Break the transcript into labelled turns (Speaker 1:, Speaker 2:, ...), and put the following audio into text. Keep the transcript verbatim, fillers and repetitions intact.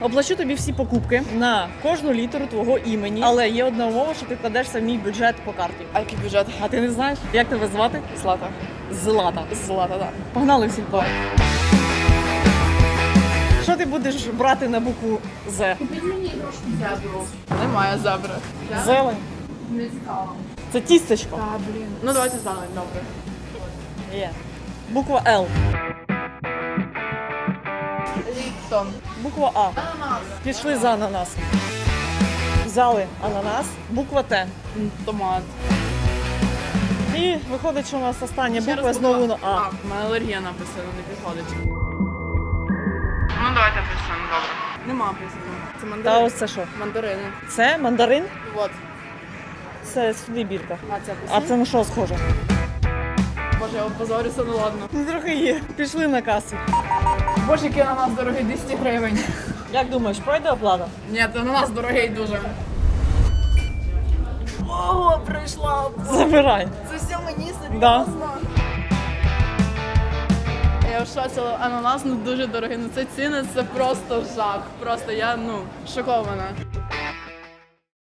Speaker 1: Оплачу тобі всі покупки на кожну літеру твого імені, але є одна умова, що ти вкладешся в мій бюджет по карті.
Speaker 2: А який бюджет?
Speaker 1: А ти не знаєш? Як тебе звати?
Speaker 2: Злата.
Speaker 1: Злата.
Speaker 2: Злата, так.
Speaker 1: Погнали в сільпо. Що ти будеш брати на букву З?
Speaker 2: Купіть мені трошки зебру. Немає зебри.
Speaker 1: Зелень.
Speaker 2: Не цікаво.
Speaker 1: Це тістечко.
Speaker 2: Та, блін. Ну давайте зелень, добре.
Speaker 1: Є. Буква Л.
Speaker 2: Ліптон.
Speaker 1: Буква А.
Speaker 2: Ананас.
Speaker 1: Пішли за ананас. Взяли ананас. Буква Т.
Speaker 2: Томат.
Speaker 1: І виходить, що у нас остання
Speaker 2: Ще
Speaker 1: буква
Speaker 2: раз
Speaker 1: знову на
Speaker 2: буква
Speaker 1: А.
Speaker 2: У мене алергія написана, не підходить. Ну давайте писано, добре. Нема писано. Це
Speaker 1: Та
Speaker 2: мандарини.
Speaker 1: ось це що?
Speaker 2: Мандарини.
Speaker 1: Це мандарин?
Speaker 2: Вот.
Speaker 1: Це сюди бірка.
Speaker 2: А це
Speaker 1: А
Speaker 2: писано?
Speaker 1: це на що схоже?
Speaker 2: Боже, я опозорюся, ну ладно.
Speaker 1: Ну, трохи є. Пішли на касу.
Speaker 2: Боже, який ананас дорогий, двісті гривень.
Speaker 1: Як думаєш, пройде оплата?
Speaker 2: Ні, ананас дорогий дуже. Ого, прийшла.
Speaker 1: Забирай.
Speaker 2: Це все мені серйозно?
Speaker 1: Да.
Speaker 2: Я в шоці, але ананас ну дуже дорогий. Ну це ціни, це просто жах. Просто я ну шокована.